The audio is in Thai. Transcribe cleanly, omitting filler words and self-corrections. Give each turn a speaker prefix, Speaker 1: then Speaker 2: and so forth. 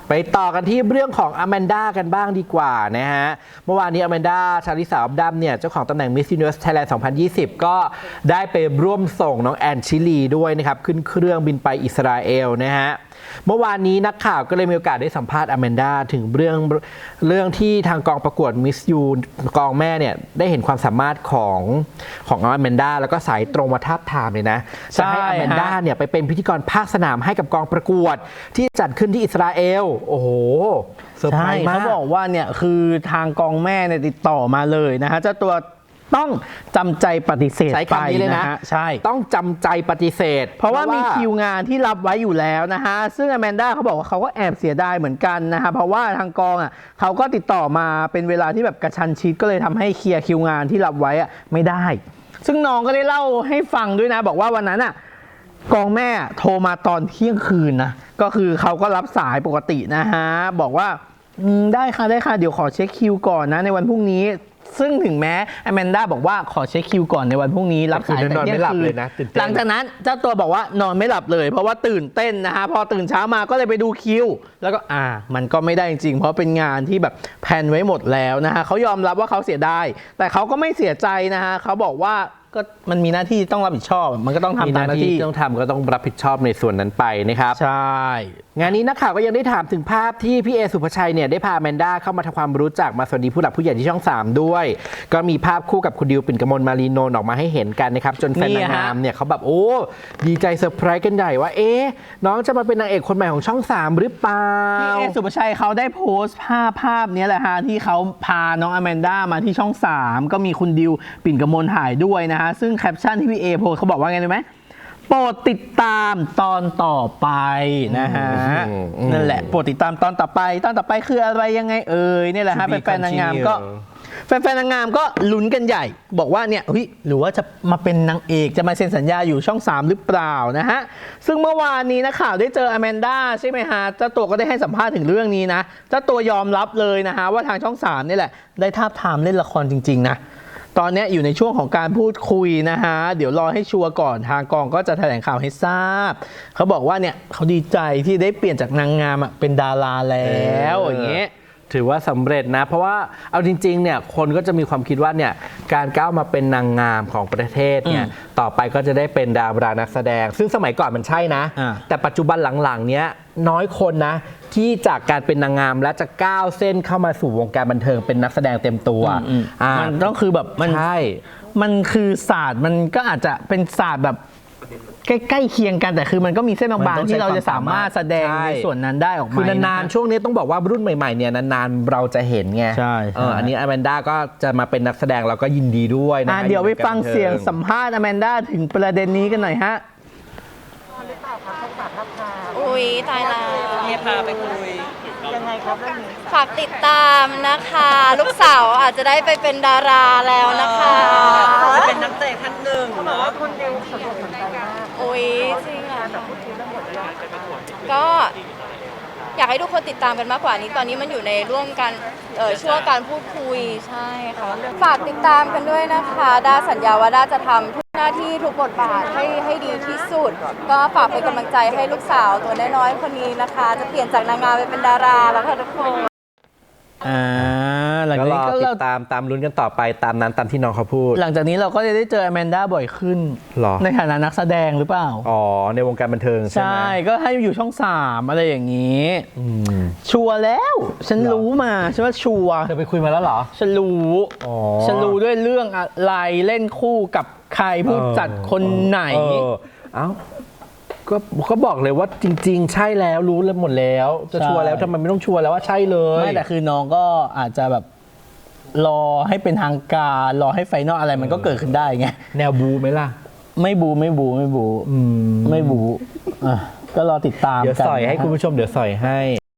Speaker 1: ไปต่อกันที่เรื่องของอแมนด้ากันบ้างดีกว่านะฮะเมื่อวานนี้อแมนด้าชาลิสาอับดัมเนี่ยเจ้าของตำแหน่ง Miss Universe Thailand 2020 ก็ได้ไปร่วมส่งน้องแอนชิลีด้วยนะครับขึ้นเครื่องบินไปอิสราเอลนะฮะเมื่อวานนี้นักข่าวก็เลยมีโอกาสได้สัมภาษณ์อแมนด้าถึงเรื่องที่ทางกองประกวด Miss U กองแม่เนี่ยได้เห็นความสามารถของอแมนด้าแล้วก็สายตรงมาทาบทามเลยนะจะให้อแมนด้าเนี่ยไปเป็นพิธีกรภาคสนามให้กับกองประกวดที่จัดขึ้นที่อิสราเอลโอ้โหเซอร์ไพรส์มาก
Speaker 2: เขาบอกว่าเนี่ยคือทางกองแม่เนี่ยติดต่อมาเลยนะฮะเจ้าตัวต้องจำใจปฏิเสธ
Speaker 1: ใช้คำนี้เลยนะ
Speaker 2: ใช่
Speaker 1: ต้องจำใจปฏิเสธ
Speaker 2: เพราะว่ามีคิวงานที่รับไว้อยู่แล้วนะฮะซึ่งอแมนด้าเขาบอกว่าเขาก็แอบเสียดายเหมือนกันนะฮะเพราะว่าทางกองอ่ะเขาก็ติดต่อมาเป็นเวลาที่แบบกระชั้นชิดก็เลยทำให้เคลียร์คิวงานที่รับไว้อ่ะไม่ได้ซึ่งน้องก็ได้เล่าให้ฟังด้วยนะบอกว่าวันนั้นอ่ะกองแม่โทรมาตอนเที่ยงคืนนะก็คือเขาก็รับสายปกตินะฮะบอกว่าได้ค่ะเดี๋ยวขอเช็คคิวก่อนนะในวันพรุ่งนี้ซึ่งถึงแม้อแมนด้าบอกว่าขอเช็คคิวก่อนในวันพรุ่งนี้รับสายแต่เที่ยงคืนหลังจากนั้นเจ้าตัวบอกว่านอนไม่หลับเลยเพราะว่าตื่นเต้นนะฮะพอตื่นเช้ามาก็เลยไปดูคิวแล้วก็มันก็ไม่ได้จริงเพราะเป็นงานที่แบบแพลนไว้หมดแล้วนะฮะเขายอมรับว่าเขาเสียดายแต่เขาก็ไม่เสียใจนะฮะเขาบอกว่าก็มันมีหน้าที่ต้องรับผิดชอบมันก็ต้องทำตามหน้าที่
Speaker 1: ต้องทำก็ต้องรับผิดชอบในส่วนนั้นไปนะครับ
Speaker 2: ใช่
Speaker 1: งานนี้นักข่าวก็ยังได้ถามถึงภาพที่พี่เอสุภชัยเนี่ยได้พาแมนด้าเข้ามาทำความรู้จักมาสวัสดีผู้หลักผู้ใหญ่ที่ช่อง3ด้วยก็มีภาพคู่กับคุณดิวปิ่นกมลมารีโนนออกมาให้เห็นกันนะครับจนแฟนนางงามเนี่ยเขาแบบโอ้ดีใจเซอร์ไพรส์กันใหญ่ว่าน้องจะมาเป็นนางเอกคนใหม่ของช่อง3หรือเปล่า
Speaker 2: พี่เอสุภชัยเขาได้โพสต์ภาพนี้แหละฮะที่เขาพาน้องอแมนด้ามาที่ช่อง3ก็มีคุณดิวปิ่นกมลถ่ายด้วยนะฮะซึ่งแคปชั่นที่พี่เอโพสเขาบอกว่าไงรู้ไหมโปรดติดตามตอนต่อไปนะฮะนั่นแหละโปรดติดตามตอนต่อไปคืออะไรยังไงนี่แหละฮะแฟนๆนางงามก็นางงามก็ลุ้นกันใหญ่บอกว่าเนี่ยหรือว่าจะมาเป็นนางเอกจะมาเซ็นสัญญาอยู่ช่อง3หรือเปล่านะฮะซึ่งเมื่อวานนี้นักข่าวได้เจออแมนด้าใช่ไหมฮะเจ้าตัวก็ได้ให้สัมภาษณ์ถึงเรื่องนี้นะเจ้าตัวยอมรับเลยนะฮะว่าทางช่อง3นี่แหละได้ทาบทามเล่นละครจริงๆนะตอนนี้อยู่ในช่วงของการพูดคุยนะฮะเดี๋ยวรอให้ชัวร์ก่อนทางกองก็จะแถลงข่าวให้ทราบเขาบอกว่าเนี่ยเขาดีใจที่ได้เปลี่ยนจากนางงามเป็นดาราแล้วอย่างเงี้ย
Speaker 1: ถือว่าสำเร็จนะเพราะว่าเอาจริงๆเนี่ยคนก็จะมีความคิดว่าเนี่ยการก้าวมาเป็นนางงามของประเทศเนี่ยต่อไปก็จะได้เป็นดารานักแสดงซึ่งสมัยก่อนมันใช่นะแต่ปัจจุบันหลังๆเนี้ยน้อยคนนะที่จากการเป็นนางงามและจะก้าวเส้นเข้ามาสู่วงการบันเทิงเป็นนักแสดงเต็มตัว
Speaker 2: มันต้องคือแบบมัน
Speaker 1: ใช่
Speaker 2: มันคือศาสตร์มันก็อาจจะเป็นศาสตร์แบบใกล้เคียงกันแต่คือมันก็มีเส้นบางๆที่เราจะสามารถแสดงในส่วนนั้นได้ออกมา
Speaker 1: คือนานๆช่วงนี้ต้องบอกว่ารุ่นใหม่ๆเนี่ยนานๆเราจะเห็นไง
Speaker 2: ใช่
Speaker 1: อันนี้อแมนด้าก็จะมาเป็นนักแสดงเราก็ยินดีด้วยนะ
Speaker 2: เดี๋ยวไปฟังเสียงสัมภาษณ์อแมนด้าถึงประเด็นนี้กันหน่อยฮะ
Speaker 3: อุ๊ยตายแล้ว
Speaker 4: พาไปคุย
Speaker 3: ยังไงครับฝากติดตามนะคะลูกสาวอาจจะได้ไปเป็นดาราแล้วนะคะ
Speaker 4: จะเป็นนักเตะท่านหนึ่งเนาะ
Speaker 3: คนเดียวสนุกเหมือนกันอุ๊ยจริงอ่ะก็อยากให้ทุกคนติดตามกันมากกว่านี้ตอนนี้มันอยู่ในช่วงการพูดคุยใช่ค่ะฝากติดตามกันด้วยนะคะด้าสัญญาว่าด้าจะทำทุกหน้าที่ทุกบทบาทให้ดีที่สุดก็ฝากเป็นกำลังใจให้ลูกสาวตัวน้อยๆคนนี้นะคะจะเปลี่ยนจากนางงามไปเป็นดาราแล้วค่ะทุกคน
Speaker 1: หลังจากนี้ก็ติดตามลุ้นกันต่อไปตามนั้นตามที่น้องเขาพูด
Speaker 2: หลังจากนี้เราก็จะได้เจออแมนด้าบ่อยขึ้นในฐานะนักแสดงหรือเปล่า
Speaker 1: ในวงการบันเทิงใช่ไหม
Speaker 2: ใช่ก็ให้อยู่ช่อง3อะไรอย่างนี้ชัวร์แล้วฉันรู้มาฉันว่าชัวร์
Speaker 1: เธอไปคุยมาแล้วเหรอ
Speaker 2: ฉันรู้ด้วยเรื่องอะไรเล่นคู่กับใครผู้จัดคนไหน
Speaker 1: ก็บอกเลยว่าจริงๆใช่แล้วรู้แล้วหมดแล้วจะชัวร์แล้วทำไมไม่ต้องชัวร์แล้วว่าใช่เลย
Speaker 2: ไม่แต่คือน้องก็อาจจะแบบรอให้เป็นทางการรอให้ไฟนอลอะไรมันก็เกิดขึ้นได้ไง
Speaker 1: แนวบูไหมล่ะ
Speaker 2: ไม่บูก็รอติดตาม
Speaker 1: เดี๋ยวสอยให้คุณผู้ชมเดี๋ยวสอยให้